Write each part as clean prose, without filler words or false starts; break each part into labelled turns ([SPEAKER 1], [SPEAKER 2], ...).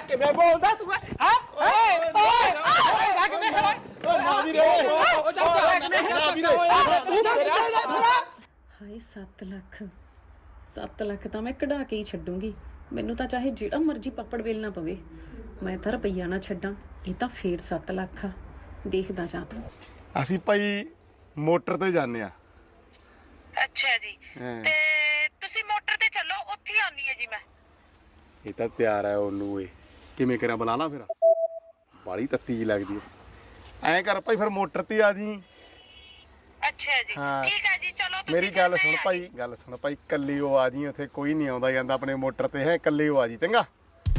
[SPEAKER 1] ਕਿਵੇਂ ਬੋਲਦਾ ਤੂੰ ਹਾਂ ਓਏ ਓਏ ਕਿਵੇਂ
[SPEAKER 2] ਓ ਨਾ ਵੀਰੇ
[SPEAKER 1] ਉਹ ਜਾ ਤੂੰ ਨਾ
[SPEAKER 3] ਹਾਏ 7 ਲੱਖ 7 ਲੱਖ ਤਾਂ ਮੈਂ ਕਢਾ ਕੇ ਹੀ ਛੱਡੂੰਗੀ। ਮੈਨੂੰ ਤਾਂ ਚਾਹੇ ਜਿਹੜਾ ਮਰਜ਼ੀ ਪਾਪੜ ਵੇਲਣਾ ਪਵੇ, ਮੈਂ ਤਾਂ ਰੁਪਈਆ ਨਾ ਛੱਡਾਂ। ਇਹ ਤਾਂ ਫੇਰ 7 ਲੱਖ ਆ। ਦੇਖਦਾ ਜਾ ਤੂੰ।
[SPEAKER 2] ਅਸੀਂ ਭਾਈ ਮੋਟਰ ਤੇ ਜਾਂਦੇ ਆ।
[SPEAKER 4] ਅੱਛਾ ਜੀ ਤੇ ਤੁਸੀਂ ਮੋਟਰ ਤੇ ਚੱਲੋ, ਉੱਥੇ ਹੀ ਆਉਣੀ ਹੈ ਜੀ ਮੈਂ।
[SPEAKER 2] ਇਹ ਤਾਂ ਤਿਆਰ ਹੈ ਉਹਨੂੰ। ਇਹ ਕਿਵੇਂ ਕਰਾਂ ਬੁਲਾ ਲਾ ਫਿਰ? ਬਾਲੀ ਤੱਤੀ ਜੀ ਲੱਗਦੀ ਐ। ਐਂ ਕਰ ਭਾਈ ਫਿਰ ਮੋਟਰ ਤੇ ਆ ਜੀ।
[SPEAKER 4] ਅੱਛਾ ਜੀ ਠੀਕ ਹੈ ਜੀ ਚਲੋ ਤੁਸੀਂ
[SPEAKER 2] ਮੇਰੀ ਗੱਲ ਸੁਣ ਭਾਈ, ਗੱਲ ਸੁਣ ਭਾਈ, ਕੱਲੀ ਉਹ ਆ ਜੀ। ਉੱਥੇ ਕੋਈ ਨਹੀਂ ਆਉਂਦਾ ਜਾਂਦਾ ਆਪਣੇ ਮੋਟਰ ਤੇ ਹੈ। ਕੱਲੀ ਉਹ ਆ ਜੀ ਚੰਗਾ।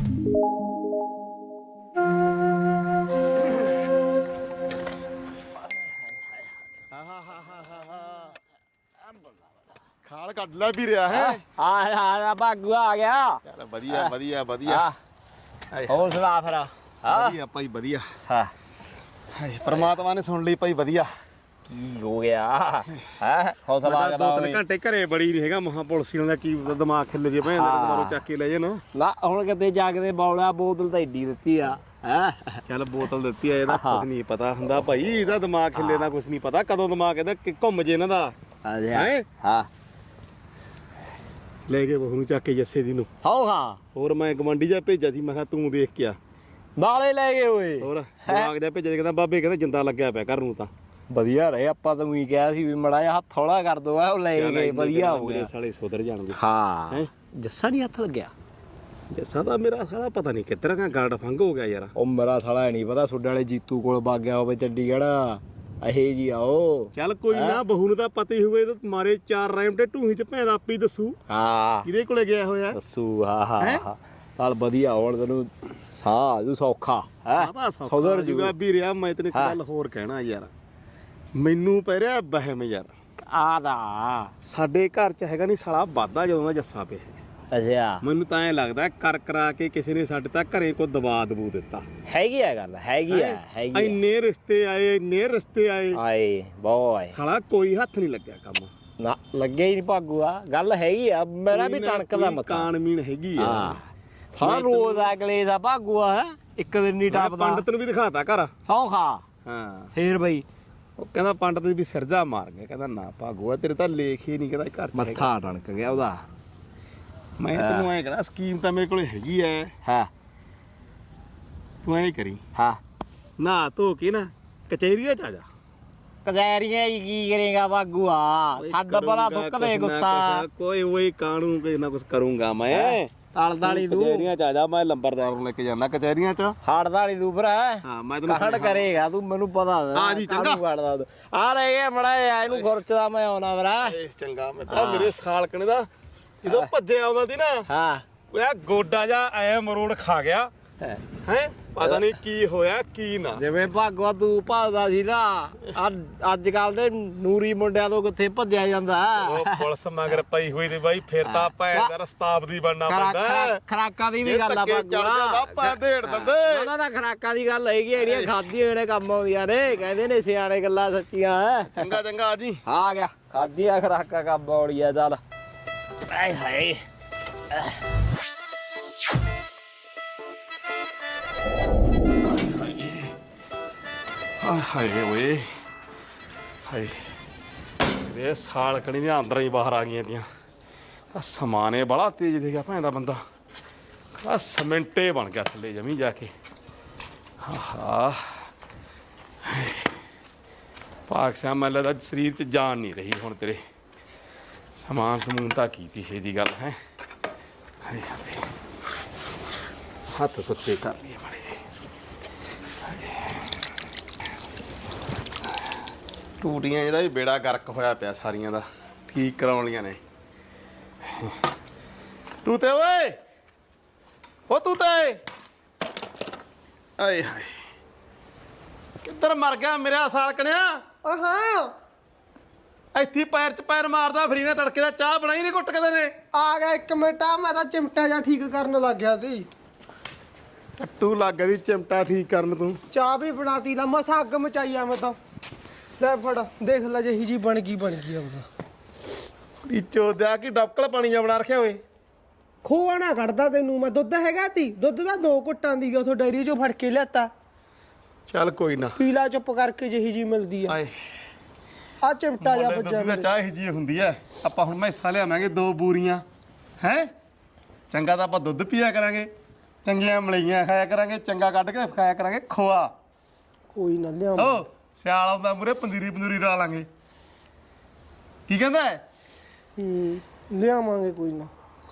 [SPEAKER 2] ਖਾਲ ਕੱਢ ਲੈ ਵੀ ਰਿਹਾ ਹੈ।
[SPEAKER 1] ਆ ਭਾਗੂ ਆ ਗਿਆ।
[SPEAKER 2] ਚੱਲ ਵਧੀਆ ਵਧੀਆ ਵਧੀਆ।
[SPEAKER 1] ਹੋਰ ਸੁਣਾ ਫਿਰ।
[SPEAKER 2] ਵਧੀਆ ਭਾਈ ਵਧੀਆ।
[SPEAKER 1] ਹਾਂ
[SPEAKER 2] ਹਾਏ ਪ੍ਰਮਾਤਮਾ ਨੇ ਸੁਣ ਲਈ ਭਾਈ ਵਧੀਆ।
[SPEAKER 1] ਕੀ ਹੋ ਗਿਆ ਹੈ? ਹੌਸਲਾ ਕਰਦਾ
[SPEAKER 2] 2-3 ਘੰਟੇ ਘਰੇ ਬੜੀ ਨਹੀਂ ਹੈਗਾ। ਮਹਾ ਪੁਲਿਸ ਵਾਲਿਆਂ ਦਾ ਕੀ ਦਿਮਾਗ ਖਿੱਲ ਜੇ ਭੈਣ ਦੇ ਦੁਬਾਰਾ ਚੱਕ ਕੇ ਲੈ ਜਾਣ।
[SPEAKER 1] ਨਾ ਹੁਣ ਕਿਤੇ ਜਾਗਦੇ ਬੌਲਾ ਬੋਤਲ ਤਾਂ ਏਡੀ ਦਿੱਤੀ ਆ ਹੈ।
[SPEAKER 2] ਚੱਲ ਬੋਤਲ ਦਿੱਤੀ ਆ, ਇਹਦਾ ਕੁਝ ਨਹੀਂ ਪਤਾ ਹੁੰਦਾ ਭਾਈ। ਇਹਦਾ ਦਿਮਾਗ ਖਿੱਲੇ ਦਾ ਕੁਝ ਨਹੀਂ ਪਤਾ ਕਦੋਂ ਦਿਮਾਗ ਇਹਦਾ ਘੁੰਮ ਜੇ ਇਹਨਾਂ ਦਾ।
[SPEAKER 1] ਹਾਂ
[SPEAKER 2] ਲੈ ਕੇ ਬਹੂ ਨੂੰ ਚੱਕ ਕੇ ਜੱਸੇ ਦੀ ਨੂੰ।
[SPEAKER 1] ਹਾਂ
[SPEAKER 2] ਹੋਰ ਮੈਂ ਗਵੰਡੀ ਜਾ ਭੇਜਿਆ ਸੀ, ਮੈਂ ਕਿਹਾ ਤੂੰ ਦੇਖ ਕੇ ਆ।
[SPEAKER 1] ਨਾਲੇ ਲੈ ਗਏ ਓਏ।
[SPEAKER 2] ਹੋਰ ਦਿਮਾਗ ਜਾ ਭੇਜਿਆ, ਕਹਿੰਦਾ ਬਾਬੇ ਕਹਿੰਦਾ ਜਿੰਦਾ ਲੱਗਿਆ ਪਿਆ ਘਰ ਨੂੰ। ਤਾਂ
[SPEAKER 1] ਵਧੀਆ ਰਹੇ। ਆਪਾਂ ਤਾਂ ਉਹੀ ਕਿਹਾ ਸੀ ਵੀ ਮੜਾ ਜਿਹਾ ਹੱਥ ਥੋੜਾ ਕਰ ਦੋ। ਉਹ ਲੈ ਗਏ ਵਧੀਆ ਹੋ ਗਿਆ।
[SPEAKER 2] ਸਾਲੇ ਸੁਧਰ ਜਾਣਗੇ।
[SPEAKER 1] ਹਾਂ ਜੱਸਾ ਨਹੀਂ ਹੱਥ ਲੱਗਿਆ।
[SPEAKER 2] ਜੱਸਾ ਤਾਂ ਮੇਰਾ ਸਾਲਾ ਪਤਾ ਨਹੀਂ ਕਿੱਧਰ ਕਾ ਗਾਰਡ ਫੰਗ ਹੋ ਗਿਆ ਯਾਰ।
[SPEAKER 1] ਉਹ ਮੇਰਾ ਸਾਲਾ ਨਹੀਂ ਪਤਾ ਸੁੱਡੇ ਵਾਲੇ ਜੀਤੂ ਕੋਲ ਵਗ ਗਿਆ ਹੋਵੇ ਚੰਡੀਗੜ੍ਹ। ਅਹੇ ਜੀ ਆਓ।
[SPEAKER 2] ਚੱਲ ਕੋਈ ਨਾ, ਬਹੂ ਨੂੰ ਤਾਂ ਪਤਾ ਹੀ ਹੋਵੇ। ਮਾਰੇ 4 ਰਾਈਮ ਤੇ ਢੂਹੀ ਚ ਭੈਣ ਆਪੇ ਹੀ ਦੱਸੂ
[SPEAKER 1] ਹਾਂ
[SPEAKER 2] ਕਿਹਦੇ ਕੋਲੇ ਗਿਆ ਹੋਇਆ।
[SPEAKER 1] ਦੱਸੂ ਹਾਂ ਚੱਲ ਵਧੀਆ। ਹੁਣ ਤੈਨੂੰ ਸਾਹ ਜੂ ਸੌਖਾ ਹੈ।
[SPEAKER 2] ਸੁਧਰ ਜੂਗਾ ਵੀ ਰਿਹਾ। ਮੈਂ ਤੈਨੂੰ ਇੱਕ ਗੱਲ ਹੋਰ ਕਹਿਣਾ ਯਾਰ, ਮੈਨੂੰ ਪੈ ਰਿਹਾ ਵਹਿਮ ਯਾਰ।
[SPEAKER 1] ਆਦਾ
[SPEAKER 2] ਸਾਡੇ ਘਰ ਚ ਹੈਗਾ ਨਹੀਂ ਸਾਲਾ ਵਾਧਾ ਜਦੋਂ ਦਾ ਜੱਸਾ ਪਿਆ।
[SPEAKER 1] ਅੱਛਾ
[SPEAKER 2] ਮੈਨੂੰ ਤਾਂ ਐ ਲੱਗਦਾ ਕਰ ਕਰਾ ਕੇ ਕਿਸੇ ਨੇ ਸਾਡੇ ਤਾਂ ਘਰੇ ਕੋ ਦਬਾ ਦਬੂ ਦਿੱਤਾ।
[SPEAKER 1] ਹੈਗੀ ਆ ਗੱਲ। ਹੈਗੀ ਆ
[SPEAKER 2] ਇੰਨੇ ਰਿਸ਼ਤੇ ਆਏ, ਇੰਨੇ ਰਿਸ਼ਤੇ ਆਏ
[SPEAKER 1] ਬੋਏ।
[SPEAKER 2] ਸਾਲਾ ਕੋਈ ਹੱਥ ਨਹੀਂ ਲੱਗਿਆ ਕੰਮ।
[SPEAKER 1] ਨਾ ਲੱਗਿਆ ਹੀ ਨਹੀਂ ਭਾਗੂ ਆ। ਗੱਲ ਹੈਗੀ ਆ। ਮੇਰਾ ਵੀ ਟਣਕਦਾ ਮੱਥਾ।
[SPEAKER 2] ਕਾਨਮੀਨ ਹੈਗੀ ਆ।
[SPEAKER 1] ਸਾਰਾ ਰੋਜ਼ ਅਗਲੇ ਦਾ ਭਾਗੂ ਆ। ਇੱਕ ਦਿਨ ਨਹੀਂ ਟੱਪਦਾ।
[SPEAKER 2] ਪੰਡਤ ਨੂੰ ਵੀ ਦਿਖਾਤਾ ਘਰ।
[SPEAKER 1] ਸੌਖਾ
[SPEAKER 2] ਹਾਂ
[SPEAKER 1] ਫੇਰ ਬਈ
[SPEAKER 2] ਉਹ ਕਹਿੰਦਾ ਪੰਡਤ ਵੀ ਸਿਰਜਾ ਮਾਰ ਗਿਆ। ਕਹਿੰਦਾ ਨਾ ਭਾਗੂਆ ਤੇਰੇ ਤਾਂ ਲੇਖ ਹੀ ਨਹੀਂ ਕਹਿੰਦਾ ਘਰ ਚ।
[SPEAKER 1] ਮੱਥਾ ਟਣਕ ਗਿਆ ਉਹਦਾ।
[SPEAKER 2] ਮੈਂ ਤੈਨੂੰ ਐਂ ਕਹਿੰਦਾ ਸਕੀਮ ਤਾਂ ਮੇਰੇ ਕੋਲ ਹੈਗੀ ਐ।
[SPEAKER 1] ਹਾਂ
[SPEAKER 2] ਤੂੰ ਐਂ ਕਰੀ,
[SPEAKER 1] ਹਾਂ
[SPEAKER 2] ਨਾ ਧੋ ਕੇ ਨਾ ਕਚਹਿਰੀਆਂ ਚ ਆ ਜਾ।
[SPEAKER 1] ਕਚਹਿਰੀਆਂ ਹੀ ਕੀ ਕਰੇਗਾ ਭਾਗੂ ਆ। ਛੱਡ ਬੜਾ ਥੁੱਕਦੇ ਗੁੱਸਾ।
[SPEAKER 2] ਕੋਈ ਉਹੀ ਕਾਣੂ ਕੋਈ ਨਾ ਕੁਝ ਕਰੂੰਗਾ ਮੈਂ।
[SPEAKER 1] ਤਲਦਾਲੀ ਤੂੰ
[SPEAKER 2] ਕਚਹਿਰੀਆਂ ਚ ਆ ਜਾ। ਮੈਂ ਲੰਬਰਦਾਰ ਨੂੰ ਲੈ ਕੇ ਜਾਣਾ ਕਚਹਿਰੀਆਂ ਚ।
[SPEAKER 1] ਹੜਦਾਲੀ ਤੂੰ ਭਰਾ।
[SPEAKER 2] ਹਾਂ ਮੈਂ ਤੈਨੂੰ
[SPEAKER 1] ਹੜ ਕਰੇਗਾ ਤੂੰ। ਮੈਨੂੰ ਪਤਾ
[SPEAKER 2] ਆ ਜੀ ਚੰਗਾ।
[SPEAKER 1] ਆ ਰਹਿ ਗਿਆ ਮੜਾ ਇਹਨੂੰ ਖੁਰਚਦਾ ਮੈਂ ਆਉਣਾ ਭਰਾ।
[SPEAKER 2] ਚੰਗਾ ਮੈਂ ਤਾਂ ਮੇਰੇ ਸਾਲਕਣੇ ਦਾ ਜਦੋਂ ਭੱਜਿਆ ਆਉਂਦਾ ਸੀ ਨਾ।
[SPEAKER 1] ਹਾਂ
[SPEAKER 2] ਉਹ ਗੋਡਾ ਜਾ ਐ ਮਰੋੜ ਖਾ ਗਿਆ ਹੈ। ਪਤਾ ਨਹੀਂ ਕੀ ਹੋਇਆ ਕੀ ਨਾ।
[SPEAKER 1] ਜਿਵੇਂ ਭਾਗਵਾ ਤੂੰ ਭੱਜਦਾ ਸੀ ਨਾ, ਅੱਜ ਕੱਲ ਦੇ ਨੂਰੀ ਮੁੰਡਿਆਂ ਤੋਂ ਕਿੱਥੇ ਭੱਜਿਆ ਜਾਂਦਾ।
[SPEAKER 2] ਉਹ ਪੁਲਿਸ ਮਗਰ ਪਈ ਹੋਈ ਤੇ ਬਾਈ ਫਿਰ ਤਾਂ ਭੈਣ ਦਾ ਰਸਤਾਬ ਦੀ ਬਣਨਾ ਪੈਂਦਾ।
[SPEAKER 1] ਖਰਾਕਾਂ ਦੀ ਵੀ ਗੱਲ ਆ ਭਾਗਵਾ।
[SPEAKER 2] ਪਾ ਢੇੜ ਦਿੰਦੇ।
[SPEAKER 1] ਉਹਨਾਂ ਦਾ ਖਰਾਕਾਂ ਦੀ ਗੱਲ ਹੈਗੀ। ਜਿਹੜੀਆਂ ਖਾਧੀਆਂ ਨੇ ਕੰਮ ਆਉਂਦੀਆਂ ਨੇ। ਕਹਿੰਦੇ ਨੇ ਸਿਆਣੇ ਗੱਲਾਂ ਸੱਚੀਆਂ।
[SPEAKER 2] ਚੰਗਾ ਚੰਗਾ ਆ ਜੀ।
[SPEAKER 1] ਆ ਗਿਆ ਖਾਧੀਆਂ ਖਰਾਕਾਂ ਕੰਮ ਆਉਣੀਆਂ। ਚੱਲ ਆਏ ਹਾਏ
[SPEAKER 2] ਹਾਏ ਓਏ ਹਾਏ। ਇਹ ਸਾਲਕਣੀ ਦੀਆਂ ਅੰਦਰ ਹੀ ਬਾਹਰ ਆ ਗਈਆਂ ਤੀਆਂ। ਤਾਂ ਸਮਾਨੇ ਬੜਾ ਤੇਜ਼ ਦੇ ਗਿਆ ਭੈਣ ਦਾ ਬੰਦਾ। ਆ ਸਮਿੰਟੇ ਬਣ ਗਿਆ ਥੱਲੇ ਜਮੀ ਜਾ ਕੇ। ਆਹਾ ਭਾਗ ਸਿਆ ਮੈਨੂੰ ਲੱਗਦਾ ਸਰੀਰ 'ਚ ਜਾਨ ਨਹੀਂ ਰਹੀ ਹੁਣ ਤੇਰੇ। ਸਮਾਨ ਸਮੂਨ ਤਾਂ ਕੀਤੀ ਹੈ ਜੀ ਗੱਲ ਹੈ। ਹਾਏ ਹਾਏ ਹੱਥ ਸੁੱਚੇ ਕਰ ਲਈਏ ਮਾੜੇ। ਟੂਟੀਆਂ ਇਹਦਾ ਵੀ ਬੇੜਾ ਗਰਕ ਹੋਇਆ ਪਿਆ ਸਾਰੀਆਂ ਦਾ। ਠੀਕ ਕਰਾਉਣ ਲੀਆਂ ਨੇ। ਤੂੰ ਤੇ ਓਏ ਉਹ ਤੂੰ ਤੇ ਆਏ ਹਾਏ ਕਿੱਧਰ ਮਰ ਗਿਆ ਮੇਰਾ ਸਾਲਕਣਿਆ।
[SPEAKER 5] ਹਾਂ
[SPEAKER 2] ਇੱਥੇ ਪੈਰ 'ਚ ਪੈਰ ਮਾਰਦਾ ਫਰੀ ਨੇ। ਤੜਕੇ ਦਾ ਚਾਹ ਬਣਾਈ ਨਹੀਂ ਘੁੱਟ ਕਦੇ ਨੇ।
[SPEAKER 5] ਆ ਗਿਆ 1 ਮਿੰਟ। ਆ ਮੈਂ ਤਾਂ ਚਿਮਟਾ ਜਾਂ ਠੀਕ ਕਰਨ ਲੱਗ ਗਿਆ ਸੀ।
[SPEAKER 2] ਟੱਟੂ ਲੱਗ ਗਈ ਚਿਮਟਾ ਠੀਕ ਕਰਨ ਤੂੰ।
[SPEAKER 5] ਚਾਹ ਵੀ ਬਣਾਤੀ ਲਾ। ਮਸਾ ਅੱਗ ਮਚਾਈ ਆ ਮੈਂ ਤਾਂ। ਲੈ ਫੜ ਦੇਖ ਲੈ ਜਿਹੀ ਜੀ ਬਣ ਗਈ ਆਪਦਾ।
[SPEAKER 2] ਨੀਚੋ ਦਿਆ ਕਿ ਡਬਕਲ ਪਾਣੀ ਜਾ ਬਣਾ ਰੱਖਿਆ ਓਏ।
[SPEAKER 5] ਖੋਆ ਨਾ ਕੱਢਦਾ ਤੈਨੂੰ ਮੈਂ। ਦੁੱਧ ਹੈਗਾ ਤੀ, ਦੁੱਧ ਦਾ 2 ਘੁੱਟਾਂ ਦੀ ਉਥੋਂ ਡੈਰੀ ਚੋਂ ਫੜ ਕੇ ਲਿਆਤਾ।
[SPEAKER 2] ਚੱਲ ਕੋਈ ਨਾ,
[SPEAKER 5] ਪੀਲਾ ਚੁੱਪ ਕਰਕੇ ਜਿਹੀ ਜੀ ਮਿਲਦੀ ਆ।
[SPEAKER 2] ਆਏ
[SPEAKER 5] ਆ ਚਿਮਟਾ ਜਾ
[SPEAKER 2] ਮੁੱਲੇ
[SPEAKER 5] ਬੱਜਾ
[SPEAKER 2] ਦੁੱਧ ਦੀ ਚਾਹ ਇਹੀ ਜੀ ਹੁੰਦੀ ਐ। ਆਪਾਂ ਹੁਣ ਮੈਸਾਂ ਲਿਆਵਾਂਗੇ 2 ਬੂਰੀਆਂ ਹੈ। ਚੰਗਾ ਤਾਂ ਆਪਾਂ ਦੁੱਧ ਪੀਆ ਕਰਾਂਗੇ, ਚੰਗੀਆਂ ਮਲਾਈਆਂ ਖਾਇਆ ਕਰਾਂਗੇ, ਚੰਗਾ ਕੱਢ ਕੇ ਖਾਇਆ ਕਰਾਂਗੇ ਖੋਆ।
[SPEAKER 5] ਕੋਈ ਨਾ ਲਿਆ।
[SPEAKER 2] ਓ ਸਿਆਲ ਆਉਂਦਾ ਮੂਰੇ ਪੰਜੀਰੀ ਲਾ ਲਾਂਗੇ। ਕੀ ਕਹਿੰਦਾ
[SPEAKER 5] ਲਿਆਵਾਂਗੇ ਕੋਈ ਨਾ।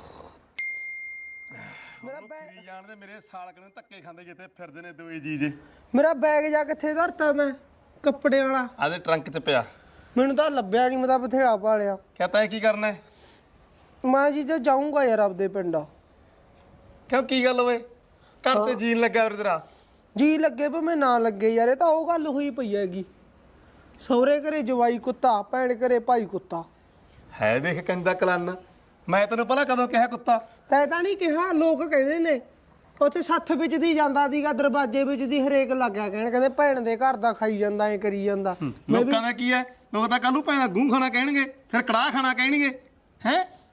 [SPEAKER 2] ਮੇਰਾ ਬੈਗ ਜਾਣਦੇ ਮੇਰੇ ਸਾਲਕ ਨੂੰ ਧੱਕੇ ਖਾਂਦੇ ਜਿੱਥੇ ਫਿਰਦੇ ਨੇ ਦੋਏ ਜੀਜੇ।
[SPEAKER 5] ਮੇਰਾ ਬੈਗ ਜਾ ਕਿੱਥੇ ਧਰਤਾ ਤੈਂ ਕੱਪੜੇ ਵਾਲਾ?
[SPEAKER 2] ਆਦੇ ਟਰੰਕ 'ਚ ਪਿਆ।
[SPEAKER 5] ਮੈਨੂੰ ਤਾਂ ਲੱਭਿਆ ਨਹੀਂ, ਮੈਂ ਤਾਂ ਬਥੇਰਾ ਭਾਲਿਆ।
[SPEAKER 2] ਕਹਤਾ ਹੈ ਕੀ ਕਰਨਾ ਹੈ?
[SPEAKER 5] ਮੈਂ ਜੀ ਜੇ ਜਾਊਂਗਾ ਯਾਰ ਆਪਦੇ ਪਿੰਡ।
[SPEAKER 2] ਕਿਉਂ ਕੀ ਗੱਲ ਓਏ? ਘਰ ਤੇ ਜੀਣ ਲੱਗਾ ਵੀਰ ਤੇਰਾ।
[SPEAKER 5] ਜੀ ਲੱਗੇ ਭਾਵੇਂ ਨਾ ਲੱਗੇ ਯਾਰ, ਇਹ ਤਾਂ ਉਹ ਗੱਲ ਹੋਈ ਪਈ ਹੈਗੀ। ਸਹੁਰੇ ਘਰੇ ਜਵਾਈ ਕੁੱਤਾ, ਭੈਣ ਘਰੇ ਭਾਈ ਕੁੱਤਾ।
[SPEAKER 2] ਹੈ ਦੇਖ ਕੰਦਾ ਕਲਨ। ਮੈਂ ਤੈਨੂੰ ਪਹਿਲਾਂ ਕਦੋਂ ਕਿਹਾ ਕੁੱਤਾ?
[SPEAKER 5] ਤੈਂ ਤਾਂ ਨਹੀਂ ਕਿਹਾ, ਲੋਕ ਕਹਿੰਦੇ ਨੇ। ਉੱਥੇ ਸੱਥ ਵਿੱਚ ਦੀ ਜਾਂਦਾ ਸੀਗਾ, ਦਰਵਾਜ਼ੇ ਵਿੱਚ ਦੀ ਹਰੇਕ ਲੱਗਿਆ ਕਹਿਣ, ਕਹਿੰਦੇ ਭੈਣ ਦੇ ਘਰ ਦਾ ਖਾਈ ਜਾਂਦਾ, ਐ ਕਰੀ ਜਾਂਦਾ।
[SPEAKER 2] ਲੋਕਾਂ ਦਾ ਕੀ ਹੈ? ਲੋਕ ਤਾਂ ਕੱਲ ਨੂੰ ਭੈਣ ਦਾ ਗੂੰ ਖਾਣਾ ਕਹਿਣਗੇ, ਫਿਰ ਕੜਾਹ ਖਾਣਾ ਕਹਿਣਗੇ। ਹੈ